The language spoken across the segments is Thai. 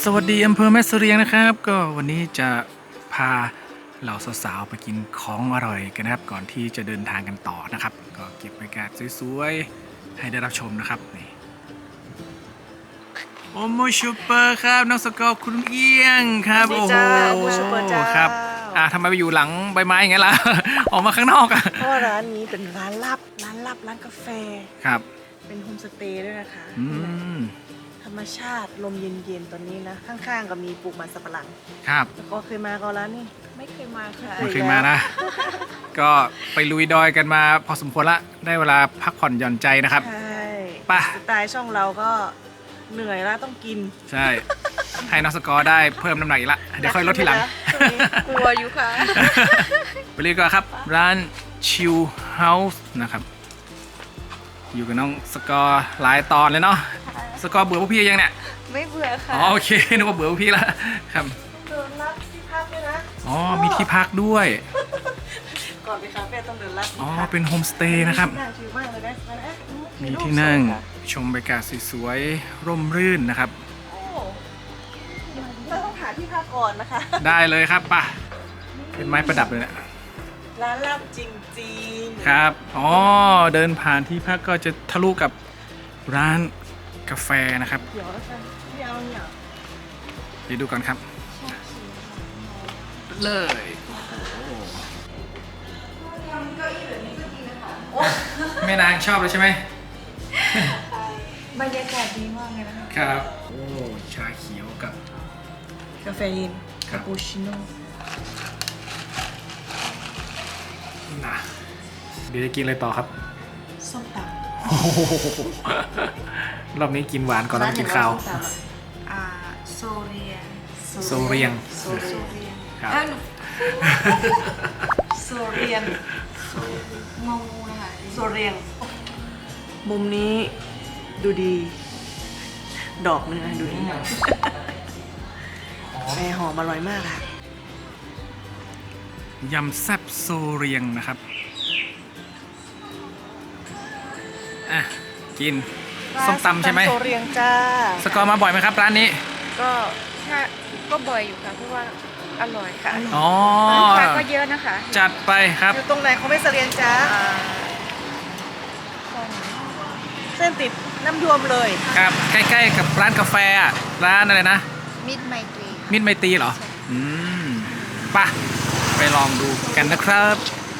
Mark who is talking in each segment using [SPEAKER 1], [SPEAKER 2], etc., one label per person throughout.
[SPEAKER 1] สวัสดีอำเภอแม่เสรียงนะครับก็วันนี้จะพาเหล่าสาวๆไปกินของอร่อยกันนะครับก่อนที่จะเดินทางกันต่อนะครับก็เก็บบรรยากาศสวยๆให้ได้รับชมนะครับนี่โอโมชูเปอร์ครับน้องสกอร์คุณเอี้ยงครับโอ้โหครับทำไมไปอยู่หลังใบไม้อย่างเงี้ยล่ะ ออกมาข้างนอกอ่ะ
[SPEAKER 2] เพราะร้านนี้เป็นร้านลับร้านกาแฟ
[SPEAKER 1] ครับ
[SPEAKER 2] เป็นโฮมสเตย์ด้วยนะคะธรรมชาติลมเย็นๆตอนนี้นะข้างๆก็มีปลูกมันสับปะหลัง
[SPEAKER 1] ครับ
[SPEAKER 2] แล้วก็เคยมาก็ร้านนี้ไม่เคยมาค่ะ
[SPEAKER 1] ไม่เคยมานะ ก็ไปลุยดอยกันมาพอสมควรละได้เวลาพักผ่อนหย่อนใจนะครับ
[SPEAKER 2] ใช่
[SPEAKER 1] ป่ะ
[SPEAKER 2] สไตล์ช่องเราก็เหนื่อยแล้วต้องกิน
[SPEAKER 1] ใช่ให้น้องสกอร์ได้เพิ่มน้ำหนักอีกละเดี๋ยวค่อยลดทีหลัง
[SPEAKER 2] กลัวอยู่ค่ะ
[SPEAKER 1] ไปเรียกก่อนครับร้านชิลเฮาส์นะครับอยู่กับน้องสกอร์หลายตอนเลยเนาะสกอร์เบื่อพวกพี่ยังเนี่ย
[SPEAKER 2] ไม่เบื่อค่ะ
[SPEAKER 1] อ๋อโอเคนึกว่าเบื่อพวกพี่ละครับ
[SPEAKER 2] เดินลัดที่พักด้วยนะ
[SPEAKER 1] อ๋อมีที่พักด้วย
[SPEAKER 2] ก่อนไปคาเฟ่ต้องเดินลัด
[SPEAKER 1] อ๋อเป็นโฮมสเตย์นะครับมีที่นั่งชมบรรยากาศสวยๆร่มรื่นนะครับ
[SPEAKER 2] เราต้องหาที่พักก่อนนะคะ
[SPEAKER 1] ได้เลยครับป่ะเป็นไม้ประดับเลยเนี่ย
[SPEAKER 2] ร้านลับจริง
[SPEAKER 1] ๆครับอ๋อเดินผ่านที่พักก็จะทะลุกับร้านกาแฟนะครับ
[SPEAKER 2] เดี๋ยวแล้วกันไม่เอาเนี่ย
[SPEAKER 1] เดี๋ยวดูก่อนครับเลยแม่นางชอบเลยใช่ไหม
[SPEAKER 2] บรรยากาศดีมากเลยนะครับ
[SPEAKER 1] โอ้ชาเขียวกับ
[SPEAKER 2] กาแฟเย็นคาปูชิโน่
[SPEAKER 1] นะเดี๋ยวจะกินอะไรต่อครับ
[SPEAKER 2] ส้มตำ
[SPEAKER 1] รอบนี้กินหวานก่อนแล้วกินข้าว
[SPEAKER 2] โซเรียง
[SPEAKER 1] ครับ
[SPEAKER 2] โซเรียงงงนะคะโซเรียงมุมนี้ดูดีดอกนึงดูดีแม่หอมอร่อยมากค่ะ
[SPEAKER 1] ยำแซ่บโซเรียงนะครับกินส้มตำใช่ไหม
[SPEAKER 2] โซเรียงจ้า
[SPEAKER 1] สกอร์มาบ่อยไหมครับร้านนี้
[SPEAKER 3] ก็บ่อยอยู่ค่ะเพราะว่าอร่อยค่ะ
[SPEAKER 1] อ๋อ
[SPEAKER 3] ลูกค้าก็เยอะนะคะ
[SPEAKER 1] จัดไปครับ
[SPEAKER 2] อยู่ตรงไหนเขาไม่โซเรียงจ้าเส้นติดน้ำยวมเลย
[SPEAKER 1] ครับใกล้ๆกับร้านกาแฟร้านอะไรนะ
[SPEAKER 3] มิตรไมต
[SPEAKER 1] รีเหรอป่ะไปลองดูกันนะครับ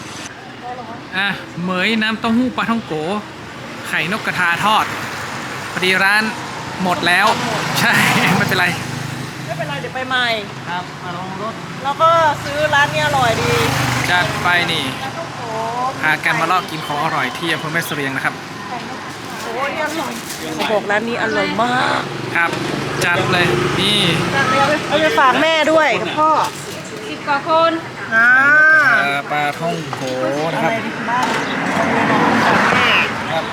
[SPEAKER 1] เหมยน้ำเต้าหู้ปลาท่องโกไข่นกกระทาทอดพอดีร้านหมดแล้วใช่ไม่เป็นไร
[SPEAKER 2] เดี๋ยวไปใหม่
[SPEAKER 1] ครับมาลองรถ
[SPEAKER 2] เราก็ซื้อร้านนี้อร่อยดี
[SPEAKER 1] จัดไปนี่พากันมาลอกกินของอร่อยที่อำเภอแม่เสรียงนะครับ
[SPEAKER 2] โอ้ยอร่อยเขาบอกร้านนี้อร่อยมาก
[SPEAKER 1] ครับจัดเลยนี่
[SPEAKER 2] เอาไปฝากแม่ด้วยกับพ่อ
[SPEAKER 3] 10 กว่าคน
[SPEAKER 1] ปลาท่องโกนะครับครับ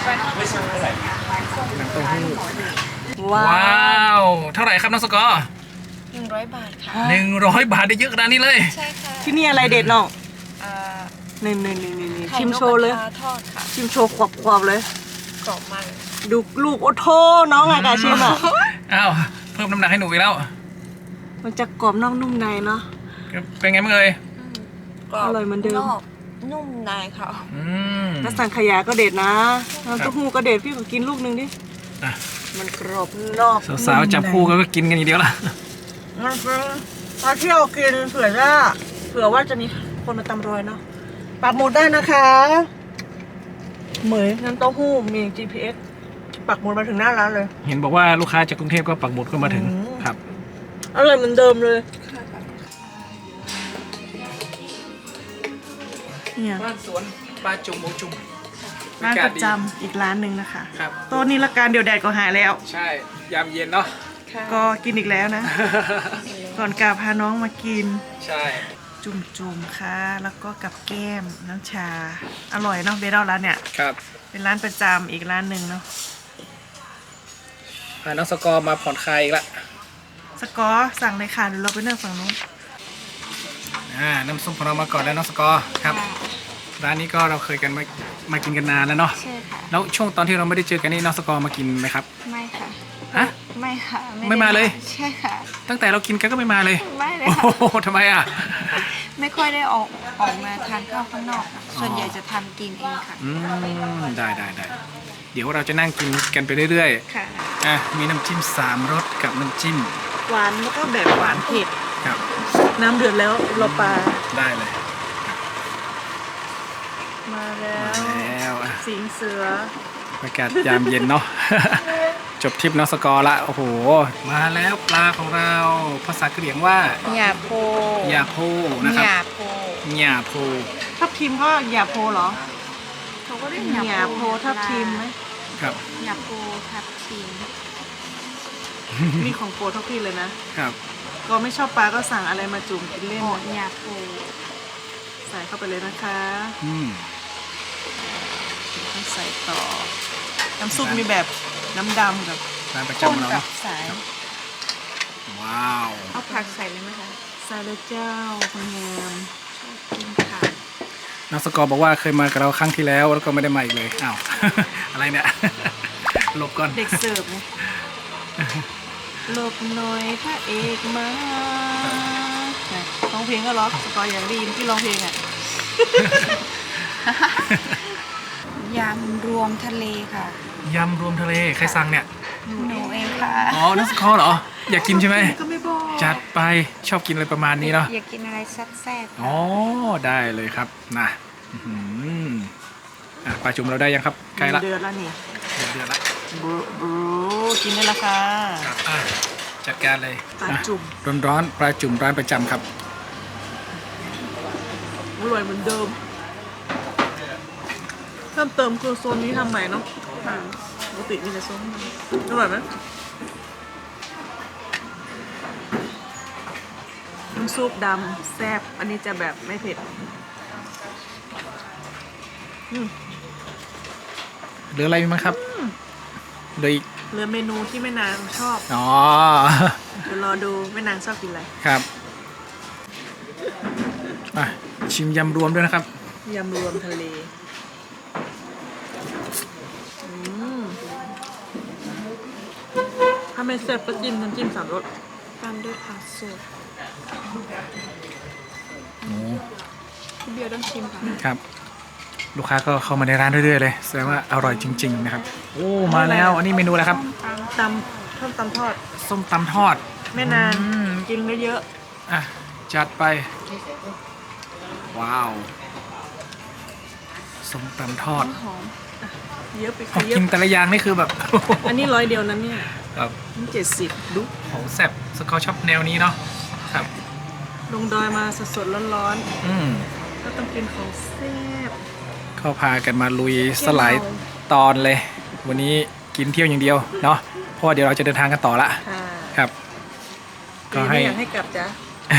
[SPEAKER 1] น้ำเต้าหู้ว้าวเท่าไหร่ครับน้องสกอร์
[SPEAKER 3] 100 บาทค่ะ
[SPEAKER 1] 100 บาทได้เยอะขนาดนี้เลย
[SPEAKER 3] ใช่ค่ะ
[SPEAKER 2] ที่นี่อะไรเด็ดน้องนี่ชิมโชว์เลยชิมโชว์ขวบเลย
[SPEAKER 3] กรอบมาก
[SPEAKER 2] ดูลูกโอโทน้องไงกาชิมอ่ะ
[SPEAKER 1] อ้าวเพิ่มน้ำหนักให้หนูอีกแล้ว
[SPEAKER 2] มันจะกรอบนอกนุ่มในเนาะ
[SPEAKER 1] เป็นไงบ้างเอ่ย
[SPEAKER 2] อร่อยเหมือนเดิม
[SPEAKER 3] นุ่มในค่ะ
[SPEAKER 2] แล้วสังขยาก็เด็ดนะน้ำเต้าหู้ก็เด็ดพี่ขอกินลูกนึงดิมันกรอบนอก
[SPEAKER 1] สาวๆจับคู่ก็กินกันอย่างเดียวละ
[SPEAKER 2] มันเป็นมาเที่ยวกินเผื่อว่าจะมีคนมาตำรอยเนาะปักหมุดได้นะคะเหมยน้ำเต้าหู้มี GPS ปักหมุดมาถึงหน้าร้านเลย
[SPEAKER 1] เห็นบอกว่าลูกค้าจากกรุงเทพก็ปักหมุดก็มาถึงครับ
[SPEAKER 2] อร่อยเหมือนเดิมเลยเนี่ย
[SPEAKER 1] บ้านสวนปลาจุ่มหมูจุ่ม
[SPEAKER 2] ร้านประจำอีกร้านหนึ่งนะคะครับโต๊ะนี้ละการเดี๋ยวแดดก็หายแล้ว
[SPEAKER 1] ใช่ยามเย็นเนาะ
[SPEAKER 2] ก็กินอีกแล้วนะก่อนกลับพาน้องมากิน
[SPEAKER 1] ใช่
[SPEAKER 2] จุ่มค่ะแล้วก็กับแก้มน้ำชาอร่อยเนาะเบลร้านเนี่ย
[SPEAKER 1] ครับ
[SPEAKER 2] เป็นร้านประจำอีกร้านหนึ่งเนาะ
[SPEAKER 1] พาน้องสกอร์มาผ่อนคลายอีกละ
[SPEAKER 2] สกอร์สั่งเลยค่ะเดี๋ยวเราไปนั่งฝั่งนู้น
[SPEAKER 1] น้ำซุปของเรามาก่อนแล้วน้องสกอร์ครับร้านนี้ก็เราเคยกันมากินกันนานแล้วเนาะ
[SPEAKER 3] ใช่ค่ะ
[SPEAKER 1] แล้วช่วงตอนที่เราไม่ได้เจอกันนี่น้องสกอร์มากินไหมครับ
[SPEAKER 3] ไม่ค่ะ
[SPEAKER 1] ฮะ
[SPEAKER 3] ไม่ค่ะ
[SPEAKER 1] ไม่มาเลย
[SPEAKER 3] ใช่ค่ะ
[SPEAKER 1] ตั้งแต่เรากินกันก็ไม่มาเลย
[SPEAKER 3] ไม่เลย
[SPEAKER 1] โอ้
[SPEAKER 3] ค่ะ
[SPEAKER 1] โหทำไมอ่ะ
[SPEAKER 3] ไม่ค่อยได้ออกมาทานข้าวข้างนอกค่ะส่วนใหญ่จะทำกินเองค่ะ
[SPEAKER 1] ได้เดี๋ยวเราจะนั่งกินกันไปเรื่อย
[SPEAKER 3] ค่ะ
[SPEAKER 1] ๆมีน้ำจิ้ม3 รสกับน้ำจิ้ม
[SPEAKER 2] หวานแล้วก็แบบหวานเผ็ด
[SPEAKER 1] ครับ
[SPEAKER 2] น้ำเดือดแล้วเราปลา
[SPEAKER 1] ได้เลย
[SPEAKER 2] มาแล้
[SPEAKER 1] มาว แล้วอ่ะ
[SPEAKER 2] สิงเสือ
[SPEAKER 1] บรรยากาศยามเย็นเนาะ จบทริปน้องสกอร์ละโอ้โห มาแล้วปลาของเราภาษากะเหรี่ยงว่า
[SPEAKER 3] หยาโพ
[SPEAKER 1] ยาโพนะครับ
[SPEAKER 3] หยาโพ
[SPEAKER 1] ยาโพ
[SPEAKER 2] ทับทิมก็หยาโพเหรอ
[SPEAKER 3] เขาก็เรียก
[SPEAKER 2] หยาโพทับทิมไหม
[SPEAKER 1] ครับ
[SPEAKER 3] หยาโพทับทิม
[SPEAKER 2] นี่ของโปรดทับทิมเลยนะ
[SPEAKER 1] ครับ
[SPEAKER 2] ก็ไม่ชอบปลาก็สั่งอะไรมาจุ่มกินเล่น
[SPEAKER 3] โอ้หยาโพ
[SPEAKER 2] ใส่เข้าไปเลยนะคะ
[SPEAKER 1] อืม
[SPEAKER 2] ต้องใส่ต่อ น้ำซุปมีแบบน้ำดำกับ
[SPEAKER 1] ร้านประ
[SPEAKER 3] ข้น
[SPEAKER 1] จำเรา
[SPEAKER 3] กั
[SPEAKER 1] เนาะ
[SPEAKER 3] บสาย
[SPEAKER 1] ว้าว
[SPEAKER 3] เอาผักใส่เลยไหมคะ
[SPEAKER 2] ซาลาเจ้าคนงาม
[SPEAKER 3] กินผัก
[SPEAKER 1] น้องสกอร์บอกว่าเคยมากับเราครั้งที่แล้วแล้วก็ไม่ได้มาอีกเลยอ้าว อะไรเนี่ย หลบก่อน
[SPEAKER 2] เด็กเสิร์ฟไงหลบหน่อยพระเอกมาร้องเพลงก็ร้องสกอร์อยากได้ยินที่ร้องเพลงอ่ะ
[SPEAKER 3] ยำรวมทะเลค่ะ
[SPEAKER 1] ยำรวมทะเลใครสั่งเนี่ย
[SPEAKER 3] หนูเองค่ะ
[SPEAKER 1] อ๋อน้องสกอร์เหรอ อยากกินใช่ไหม
[SPEAKER 2] ก็ไม่บอก
[SPEAKER 1] จัดไปชอบกินอะไรประมาณนี้เนาะ
[SPEAKER 3] อยากกินอะไรแซ่บๆ
[SPEAKER 1] อ๋อ ได้เลยครับนะอื้อหือปลาจุ่มเราได้ยังครับใกล้ละ
[SPEAKER 2] เดือดแล้วนี่
[SPEAKER 1] เดือดละ
[SPEAKER 2] บรูกินได้และค่ะ
[SPEAKER 1] ครับจัดการเลย
[SPEAKER 2] ปลาจุ่ม
[SPEAKER 1] ร้อนๆปลาจุ่มร้านประจำครับ
[SPEAKER 2] อร่อยเหมือนเดิม เพิ่มเติมคือโซนนี้ทำใหม่เนาะปกติมีแต่โซนนี้อร่อยไหมน้ำซุปดำแซ่บอันนี้จะแบบไม่เผ็ด
[SPEAKER 1] เหลืออะไรมั้งครับเหลืออีก
[SPEAKER 2] เหลือเมนูที่แม่นางชอบ
[SPEAKER 1] อ๋อ
[SPEAKER 2] เดี๋ยวรอดูแม่นางชอบกินอะไร
[SPEAKER 1] ครับชิมยำรวมด้วยนะครับ
[SPEAKER 2] ยำรวมทะเลถ้าไม่แซ่บก็จิ้มน้ำจิ้ม3 รส
[SPEAKER 3] ตามด้วยผักสด
[SPEAKER 1] โอ้
[SPEAKER 3] พี่เบียร์ต้องชิมค่ะ
[SPEAKER 1] ครับ ลูกค้าก็เข้ามาในร้านเรื่อยๆเลยแสดงว่าอร่อยจริง ๆ นะครับ โอ้มาแล้วอันนี้เมนูอะไรครับ
[SPEAKER 2] ตำส้มตำทอด
[SPEAKER 1] ส้มตำทอด
[SPEAKER 2] แม่นาง
[SPEAKER 1] อืม
[SPEAKER 2] กินได้เยอะ
[SPEAKER 1] จัดไป ว้าวส้มตำทอด
[SPEAKER 3] หอม
[SPEAKER 2] เยอะไป
[SPEAKER 1] พอ
[SPEAKER 2] เยอะ
[SPEAKER 1] กินแต่ละอย่างนี่คือแบบ
[SPEAKER 2] อันนี้100 เดียวนั้นเนี่ย
[SPEAKER 1] ครับ
[SPEAKER 2] นี่70ดู
[SPEAKER 1] โหแซ่บสกอร์ชอบแนวนี้เนาะครับ
[SPEAKER 2] ลงดอยมาสดๆร้อน
[SPEAKER 1] อืม
[SPEAKER 2] ๆก็ต้องกินของแซ่บ
[SPEAKER 1] ก็พากันมาลุยสลายตอนเลย วันนี้กินเที่ยวอย่างเดียวเนาะเพราะว่าเดี๋ยวเราจะเดินทางกันต่อละ
[SPEAKER 2] ค่ะ
[SPEAKER 1] ครับ ก็ให้
[SPEAKER 2] ไม่อยากให้กลับจ้ะ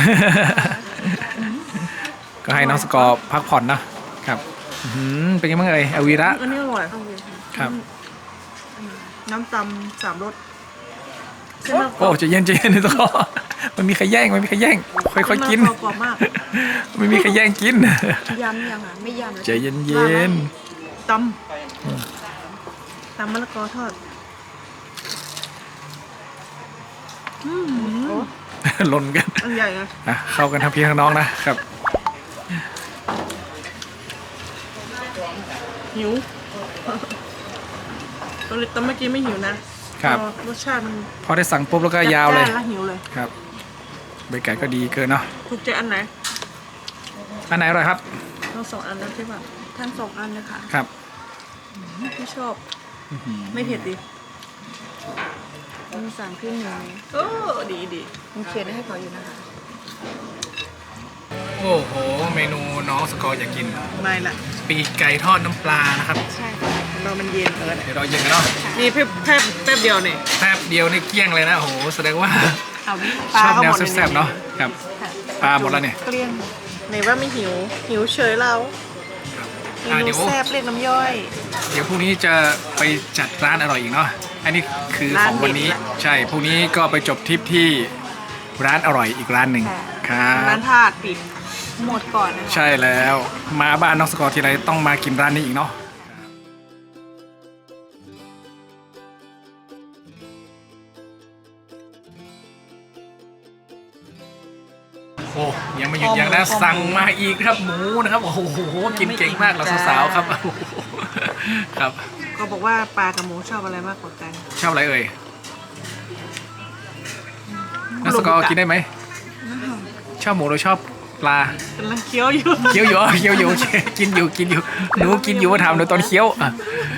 [SPEAKER 1] ก็ให้น้องสกอร์พักผ่อนเนาะครับอื้อหือเป็นยังไงบ้างเอ่ยอวีระ
[SPEAKER 2] อันนี้อร่อย
[SPEAKER 1] ครับ
[SPEAKER 2] น้ำตำ3 รสเส้นมะก
[SPEAKER 1] โอ้
[SPEAKER 2] อก
[SPEAKER 1] ใจะเย็นๆนะสกอร์มันมีใครแย่งค่อยๆกิน
[SPEAKER 2] เส้มะกรอบมาก
[SPEAKER 1] ไม่มีใครแย่งกิน
[SPEAKER 3] ยำยังอ่ะไม่ยำแล้ว
[SPEAKER 1] ใจเย็น
[SPEAKER 2] ตำมะละกอทอด
[SPEAKER 1] ๆ หล่นกัน
[SPEAKER 2] อันใหญ่นะ
[SPEAKER 1] เข้ากันทั้งพี่ทั้งน้องนะครับ
[SPEAKER 2] หิวตอนเมื่อกี้ไม่หิวนะครับ รสชาติมัน
[SPEAKER 1] พอได้สั่งปุ๊บแล้วก็ยาวเลย
[SPEAKER 2] จัดจ้นแล้วหิวเลย
[SPEAKER 1] ครับบรรยากาศก็ดีเกินเนาะ
[SPEAKER 2] ถูกใจอันไหน
[SPEAKER 1] อันไหนอร่อยครับ
[SPEAKER 2] เรา2 อันแล้วใช่ป่ะ
[SPEAKER 3] ทั้ง2 อันเลยค่ะ
[SPEAKER 1] ครับ
[SPEAKER 2] ที่ชอบ ไม่เผ็ดดิ
[SPEAKER 3] มีสั่งขึ้นหนึ่ง
[SPEAKER 2] โอ้ดี
[SPEAKER 3] มีเขียนให้เขาอยู่นะคะ
[SPEAKER 1] โอ้โห เมนูน้องสกอร์อยากกิน
[SPEAKER 2] ไม่ละ
[SPEAKER 1] ปีกไก่ทอดน้ำปลานะครับ
[SPEAKER 3] ใช่ค่ะ
[SPEAKER 2] เรามันเย็นเกิน
[SPEAKER 1] เดี๋ยวเราเย็นกันเนาะ
[SPEAKER 2] นี่แป๊บเดียวนี่
[SPEAKER 1] แป๊บเดียวนี่เกลี้ยงเลยนะโอ้โหแสดงว่า
[SPEAKER 2] เอาดิ
[SPEAKER 1] ชอบแนว
[SPEAKER 2] ก็หมด
[SPEAKER 1] แซ่บๆเนาะครับ
[SPEAKER 2] ค่ะ
[SPEAKER 1] ปลาหมดแล้วเนี่ย
[SPEAKER 2] เกลี้ยงไหนว่าไม่หิว หิวเฉยเราเม
[SPEAKER 1] เดี๋
[SPEAKER 2] นู
[SPEAKER 1] ยว
[SPEAKER 2] แซ่บเรียกน้ำย่อย
[SPEAKER 1] เดี๋ยวพรุ่งนี้จะไปจัดร้านอร่อยอีกเนาะอันนี้คือข
[SPEAKER 2] ร้า
[SPEAKER 1] อน งวันนี้
[SPEAKER 2] เด็ดละ
[SPEAKER 1] ใช่พรุ่งนี้ก็ไปจบทริปที่ร้านอร่อยอีกร้านหนึ่งครับ
[SPEAKER 2] ร้านทาดปิด
[SPEAKER 3] หมดก่อนนะคะ
[SPEAKER 1] ใช่แล้วมาบ้านน้องสกอร์ทีไรต้องมากินร้านนี้อีกเนาะโอ้ยังไม่หยุดยังนะสั่งมาอีกครับหมูนะครับโอ้โหกินเก่งมากเราสาวๆครับโอ้โหครับ
[SPEAKER 2] ก็บอกว่าปลากับหมูชอบอะไรมากกว่ากัน
[SPEAKER 1] ชอบอะไรเอ่ยนักสกอร์กินได้ไหมชอบหมูหรือชอบปลาก
[SPEAKER 2] ำลังเคี้ยวอยู่
[SPEAKER 1] เคี้ยวอยู่เคี้ยวอยู่กินอยู่หนูกินอยู่ว่าทำในตอนเคี้ยวอ่ะ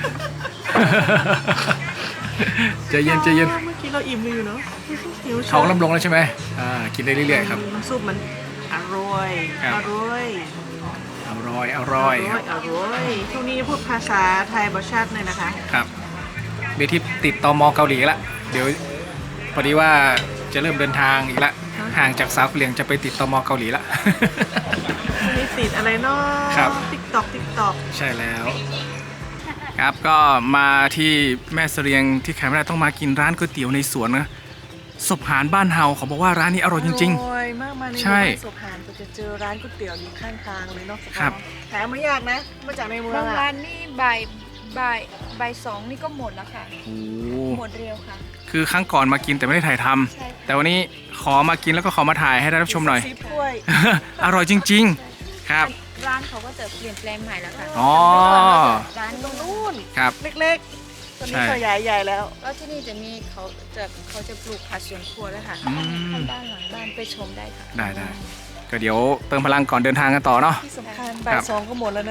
[SPEAKER 1] ใจเย็น
[SPEAKER 2] เมื่อกี้เราอิ่มอยู่เนาะหิว
[SPEAKER 1] ท้องร่ำลงแล้วใช่ไหมกินได้เรื่อยๆครับ
[SPEAKER 2] น้ำซุปมันอร่อย
[SPEAKER 1] ครับ
[SPEAKER 2] อร่อย
[SPEAKER 1] อร่อยครับ
[SPEAKER 2] อร่อยช่วงนี้พูดภาษาไทยบชัดเลยนะคะ
[SPEAKER 1] ครับเบทิปติดตมเกาหลีละเดี๋ยวพอดีว่าจะเริ่มเดินทางอีกละห่างจากสาวเกลียงจะไปติดตมเกาหลีละ
[SPEAKER 2] ช่วงนี้ติดอะไรเนาะ
[SPEAKER 1] ครับ
[SPEAKER 2] ติ๊กตอก
[SPEAKER 1] ใช่แล้ว ครับก็มาที่แม่เสรียงที่แคมป์ได้ต้องมากินร้านก๋วยเตี๋ยวในสวนนะศพหานบ้านเฮาเขาบอกว่าร้านนี้อร่อยจริง
[SPEAKER 2] อร่อยมากมาใน
[SPEAKER 1] ใช่
[SPEAKER 2] หมู่บ้านสุพรรณก็จะเจอร้านก๋วยเตี๋ยวอยู่ข้างทางเลยเนาะ
[SPEAKER 1] ครับ
[SPEAKER 2] หาไม่ยากนะมาจากในเมือง
[SPEAKER 3] บาง
[SPEAKER 2] อะ
[SPEAKER 3] ร้านนี่บ่ายสองนี่ก็หมดแล้วค่ะ
[SPEAKER 1] ๆโอ้
[SPEAKER 3] หมดเร็วค่ะ
[SPEAKER 1] คือครั้งก่อนมากินแต่ไม่ได้ถ่ายทำ
[SPEAKER 3] ใช่
[SPEAKER 1] แต่วันนี้ขอมากินแล้วก็ขอมาถ่ายให้ได้รับชมหน่อย
[SPEAKER 2] ซีถ้วย
[SPEAKER 1] อร่อยจริง ๆ ครับ
[SPEAKER 3] ร้านเขาก็จะเปลี่ยนแปลงใหม่แล้วค่ะ
[SPEAKER 1] อ๋อ
[SPEAKER 3] ร้าน
[SPEAKER 2] ตรงนู้น
[SPEAKER 1] ครับ
[SPEAKER 2] เล็กๆตอนนี้
[SPEAKER 1] ใช่
[SPEAKER 2] ขยายใหญ่แล้ว
[SPEAKER 3] แล้วที่นี่จะมีเขาจะปลูกผักสวนครัวแล้วค่ะ
[SPEAKER 1] อืม
[SPEAKER 3] บ้านหลังบ้านไปชมได้ค่ะ
[SPEAKER 1] ได้ก็เดี๋ยวเติมพลังก่อนเดินทางกันต่อเนาะ
[SPEAKER 2] ที่สำคัญบ่ายสองก็หมดแล้วนะ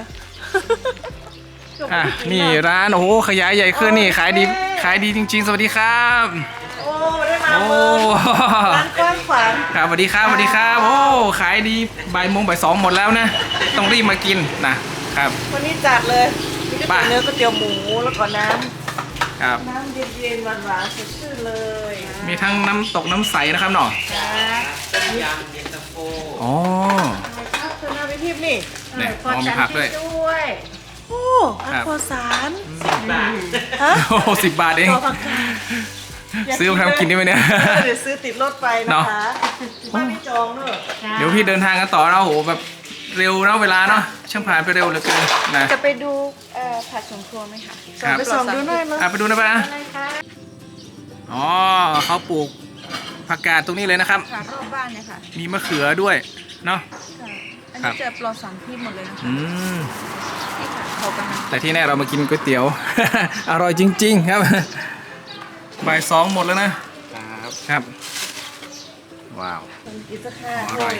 [SPEAKER 1] นี่ร้านโอ้โหขยายใหญ่ขึ้นนี่ขายดีจริง ๆ สวัสดีครับ
[SPEAKER 2] โอ้ได้มา
[SPEAKER 1] โอ้
[SPEAKER 2] เมืองร้านกว้างขวาง
[SPEAKER 1] ครับสวัสดีครับโอ้ขายดีบ่ายโมงบ่ายสองหมดแล้วนะต้องรีบมากินนะครับ
[SPEAKER 2] วันนี้จัดเลยมีก๋วย
[SPEAKER 1] ป่ะ
[SPEAKER 2] เตี๋ยวเนื้อก๋วยเตี๋ยวหมูแล้วก็น้
[SPEAKER 1] ครับ
[SPEAKER 2] ำเย็นๆหวานๆสดชื่นเลย
[SPEAKER 1] มีทั้งน้ำตกน้ำใสนะครับเนาะ
[SPEAKER 2] ครับ
[SPEAKER 1] อ๋อ
[SPEAKER 2] ครับเธอหน้าไปทิพย์นี่
[SPEAKER 1] เนี่ยอ๋อมีผักด้วย
[SPEAKER 2] ด้วยโอ้อั
[SPEAKER 1] ครับ
[SPEAKER 2] โคสารฮะ
[SPEAKER 1] โอ้10 บาทเอง
[SPEAKER 2] ต่อผักกาด
[SPEAKER 1] ซื้อมาทำกินได้ไหมเนี่ย
[SPEAKER 2] เดี๋ยวซื้อติดรถไปนะ
[SPEAKER 1] เนาะ
[SPEAKER 2] คะบ้านไม่จองเนอะ
[SPEAKER 1] เดี๋ยวพี่เดินทางกันต่อนะโอ้โหแบบเร็วนะเวลาเนาะช่างผ่านไปเร็วเหลือเกินนะ
[SPEAKER 3] จะไปดูผักสวนครัวไหมคะ
[SPEAKER 1] ครับ
[SPEAKER 2] ไปส่องดูหน่อยมั้ย
[SPEAKER 1] ไปดูนะป้า
[SPEAKER 3] อะไรคะ
[SPEAKER 1] อ๋อเขาปลูกผักกาดตรงนี้เลยนะครับ
[SPEAKER 3] ค่ะรอบบ้านเนี่ยค่ะ
[SPEAKER 1] มีมะเขือด้วยเนาะ
[SPEAKER 3] ค่ะอัน
[SPEAKER 1] ครั
[SPEAKER 3] นี้
[SPEAKER 1] บ
[SPEAKER 3] จะปลอดสารพิษหมดเลยนะคะ
[SPEAKER 1] อืม
[SPEAKER 3] นี่ค่ะเขากำลัง
[SPEAKER 1] แต่ที่แน่เรามากินก๋วยเตี๋ยว อร่อยจริง ๆ ครับ บ่ายสองหมดแล้วนะครับ ว้าว
[SPEAKER 2] กินสักห้า
[SPEAKER 1] อร่อย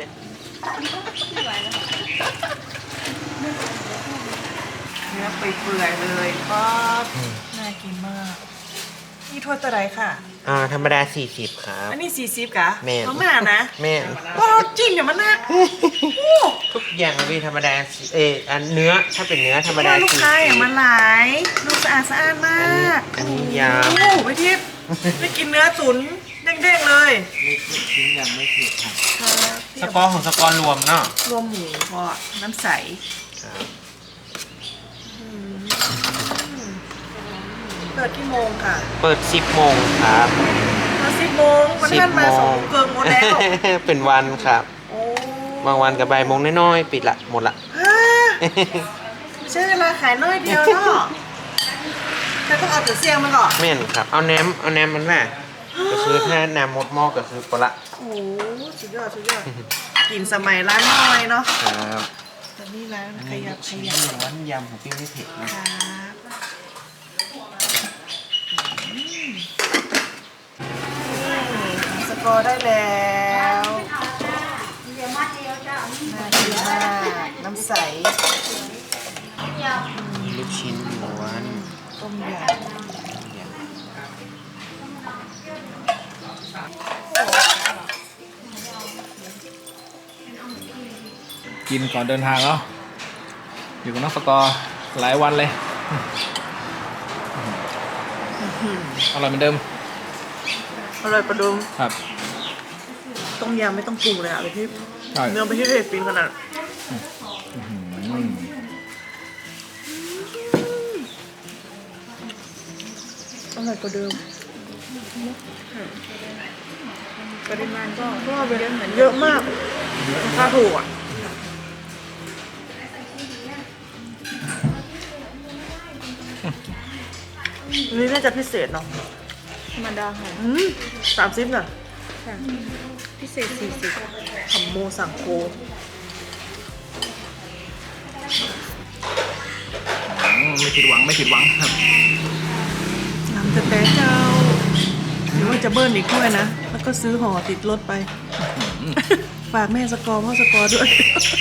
[SPEAKER 2] เนื้อเปื่อยๆเลยป๊อดน่ากินมากนี่ถ้วยตะไคร้ค่ะ
[SPEAKER 4] ธรรมดา 40 ครับ
[SPEAKER 2] อันนี้40กะ
[SPEAKER 4] แม่น
[SPEAKER 2] มาม่านะ
[SPEAKER 4] แม่น
[SPEAKER 2] ก็จิ้มเนี่ยมันนัก
[SPEAKER 4] ทุกอย่างมีธรรมดาอันเนื้อถ้าเป็นเนื้อธรรมดา
[SPEAKER 2] ลูกค้าอย่างมันหลายดูสะอาดมาก
[SPEAKER 4] อันนี้ย
[SPEAKER 2] โอ้โหไปทิพย์ได้กินเนื้อตุ๋นเด้งๆเลย
[SPEAKER 4] ำชิ้นยังไม่ผิดครับ
[SPEAKER 2] ครับ
[SPEAKER 4] สกอร์ของสกอร์รวมเนาะ
[SPEAKER 2] รวมหมูพอน้ำใส
[SPEAKER 4] ครับ
[SPEAKER 2] เปิดกี่โมงค่ะ
[SPEAKER 4] เปิด 10 โมงครับ
[SPEAKER 2] มา10 โมงวันท่านมา2 โมงเกินหมดแล้ว
[SPEAKER 4] เป็นวันครับ
[SPEAKER 2] โอ้
[SPEAKER 4] บางวันกับบ่ายโมงน้อยๆปิดละหมดละ
[SPEAKER 2] ฮะไม่ใช่เวลาขายน้อยเดียวเนาะแต่ต้องเอาแต่เสียงมาก่อน
[SPEAKER 4] แม่นครับ เอาแหนมมันน่ะก็คือถ้าแหนมหมดหม้อก็คือปละ
[SPEAKER 2] โอ้โหสุดยอดกินสมัยร้านน้อยเนาะ
[SPEAKER 4] ครับ
[SPEAKER 2] แต่นี่ร้านขยับ
[SPEAKER 4] วันยำของพี่ไม่เผ็ดนะ
[SPEAKER 2] ครับสกอร์ได้แล้วน่ากินมากน้ำใส
[SPEAKER 4] มีลูกชิ้นล้วน
[SPEAKER 2] ต้มยำ
[SPEAKER 1] กินก่อนเดินทางเนาะอยู่กับน้องสกอร์หลายวันเลยอร่อยเหมือนเดิม
[SPEAKER 2] อร่อยประดุม
[SPEAKER 1] ครับ
[SPEAKER 2] ต้มยำไม่ต้องปรุงเลยอ่ะไปที่
[SPEAKER 1] ใช่
[SPEAKER 2] เนื้อไปที่เทศปินขนาด
[SPEAKER 1] อืม
[SPEAKER 2] อร่อยกว่าเดิมปริมาณก็เยอะมากราคาถูกอ่ะอันนี้น่าจะพิเศษเนาะ
[SPEAKER 3] ธรรมดาค่ะ
[SPEAKER 2] 30น่ะ
[SPEAKER 3] ค่ะพิเศษ40
[SPEAKER 2] ขำโมสั่งโค
[SPEAKER 1] ไม่ผิดหวังไม่ผิดหวังครับ
[SPEAKER 2] น้ำแต่เจ้าหรือว่าจะเบิ้ลอีกด้วยนะ แล้วก็ซื้อห่อติดรถไป ฝากแม่สกอร์พ่อสกอร์ด้วย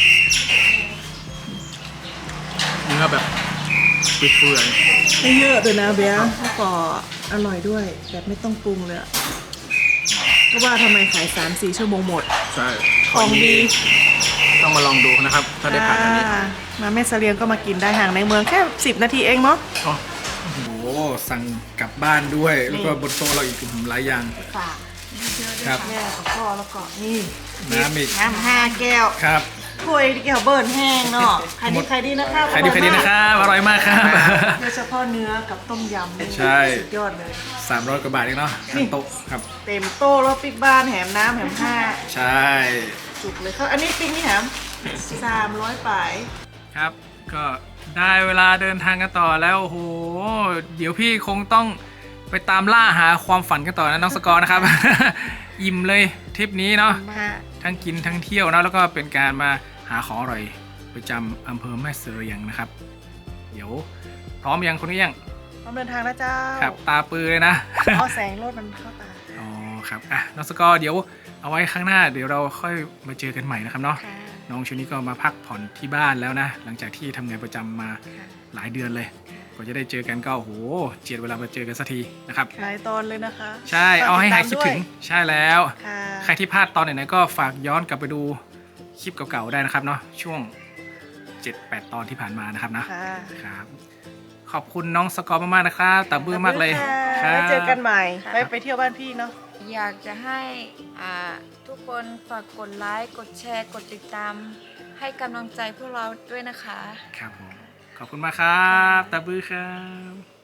[SPEAKER 1] เนื้อแบบเปื่อย
[SPEAKER 2] ไม่เยอะด้วยนะเบียร์แล้วก็อร่อยด้วยแบบไม่ต้องปรุงเลยอะก็ว่าทำไมขาย 3-4 ชั่วโมงหมด
[SPEAKER 1] ๆใช่
[SPEAKER 2] ของดี
[SPEAKER 1] ต้องมาลองดูนะครับ ถ้าได้ผ่านอันนี้
[SPEAKER 2] มาแม่เสลียงก็มากินได้ห่างในเมืองแค่ 10 นาทีเองเนาะ
[SPEAKER 1] อ๋อโอ้โหสั่งกลับบ้านด้วย แล้วก็บนโต๊ะเราอีกหลายอย่าง
[SPEAKER 2] ฝาก
[SPEAKER 1] ครับ
[SPEAKER 2] แม่กับพ่อแล้วก็นี่
[SPEAKER 1] น้ำอีก
[SPEAKER 2] น้ำ5 แก้ว
[SPEAKER 1] ครับ
[SPEAKER 2] ถ้วยแก้วเบิร์นแห้งเนาะใครดีนะครับ
[SPEAKER 1] ใครดีนะครับอร่อยมากครับ
[SPEAKER 2] โดยเฉพาะเนื้อกับต้มยำนี่
[SPEAKER 1] ใช่
[SPEAKER 2] สุดยอดเลย
[SPEAKER 1] 300 กว่าบาทเองเนาะทั้งโต๊ะครับ
[SPEAKER 2] เต็มโต๊ะแล้วปิ๊กบ้านแหมน้ำแหมผ้า
[SPEAKER 1] ใช่
[SPEAKER 2] จุกเลยครับอันนี้ปิ๊กนี่แหม300ป่าย
[SPEAKER 1] ครับ ก็ได้เวลาเดินทางกันต่อแล้วโอ้โหเดี๋ยวพี่คงต้องไปตามล่าหาความฝันกันต่อนะน้องสกอร์นะครับ อิ่มเลยทริปนี้เนาะ
[SPEAKER 2] มา
[SPEAKER 1] ทั้งกินทั้งเที่ยวนะแล้วก็เป็นการมาหาของอร่อยประจำอำเภอแม่เสรียงนะครับ เดี๋ยวพร้อมยังคนนี้ยัง
[SPEAKER 2] พร้อมเดินทางแล้วเจ้า
[SPEAKER 1] ครับตาปือเลยนะ
[SPEAKER 2] เอาแสงรถมันเข้าตา
[SPEAKER 1] อ๋อครับอ่ะน้องสกอร์เดี๋ยวเอาไว้ข้างหน้าเดี๋ยวเราค่อยมาเจอกันใหม่นะครับเนาะ
[SPEAKER 3] ค่ะ
[SPEAKER 1] น้องชุดนี้ก็มาพักผ่อนที่บ้านแล้วนะ หลังจากที่ทำงานประจำมา
[SPEAKER 3] ค่ะ
[SPEAKER 1] หลายเดือนเลยกว่าจะได้เจอกันก็โอ้โหเจียดเวลามาเจอกันสักทีนะครับ
[SPEAKER 2] หลายตอนเลยนะคะ
[SPEAKER 1] ใช่เอาให้หายคิดถึง
[SPEAKER 2] ฝากติตาม
[SPEAKER 1] ใช่แล้ว
[SPEAKER 2] ด้วยค่ะ
[SPEAKER 1] ใครที่พลาดตอนไหนๆก็ฝากย้อนกลับไปดูคลิปเก่าๆได้นะครับเนาะช่วง 7-8 ตอนที่ผ่านมานะครับนะ
[SPEAKER 2] ค่ะ
[SPEAKER 1] ครับขอบคุณน้องสกอร์มากๆนะครับตาบื้อมากเลยค
[SPEAKER 2] ค่ะ
[SPEAKER 1] รับ
[SPEAKER 2] ไว้เจอกันใหม่
[SPEAKER 3] ค่ะ
[SPEAKER 2] ไปเที่ยวบ้านพี่เนาะ
[SPEAKER 3] อยากจะให้ทุกคนฝากกดไลค์ กดแชร์ กดติดตาม ให้กำลังใจพวกเราด้วยนะคะ
[SPEAKER 1] ครับผมขอบคุณมากครับตาบื้อครับ